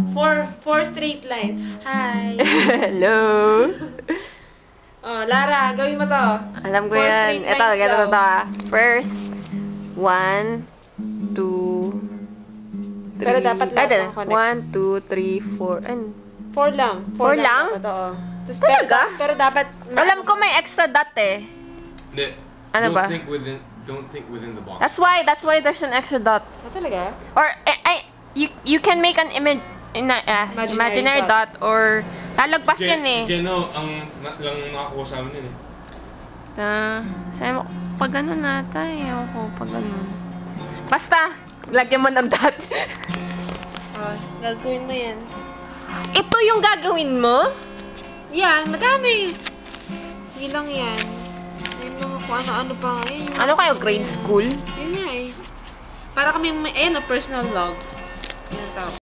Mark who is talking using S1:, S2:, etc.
S1: Four straight line. Hi.
S2: Hello.
S1: Oh, Lara, gawin mo to.
S2: Alam ko
S1: Four
S2: yan.
S1: straight
S2: Ito,
S1: lines
S2: ganito
S1: daw.
S2: to ah. First, 1, 2, 3.
S1: Pero dapat lahat ng connect.
S2: 1, 2, 3, 4. Ano?
S1: 4 lang.
S2: Four lang?
S1: Dapat, oo. Tapos,
S2: Talaga?
S1: pero dapat...
S2: Alam ko may extra dot eh.
S3: Hindi.
S2: Ano ba?
S3: Don't think within the box.
S2: That's why there's an extra dot.
S1: Oh, talaga?
S2: Or you can make an imaginary dot or lalagpas yun eh.
S3: Si Jeno, lang nakakuha sa amin yun eh.
S2: Sabi mo, pag ano nata eh. Ako, pag ano. Basta, lagyan mo ng dot.
S1: Oh, gagawin mo yan.
S2: Ito yung gagawin mo?
S1: Yan, madami. Hindi lang yan. Yung mga kung ano-ano pa nga. Yun,
S2: Ano kayo, grade school?
S1: Yun nga eh. Para kami, ayan o, personal log. Yan tao.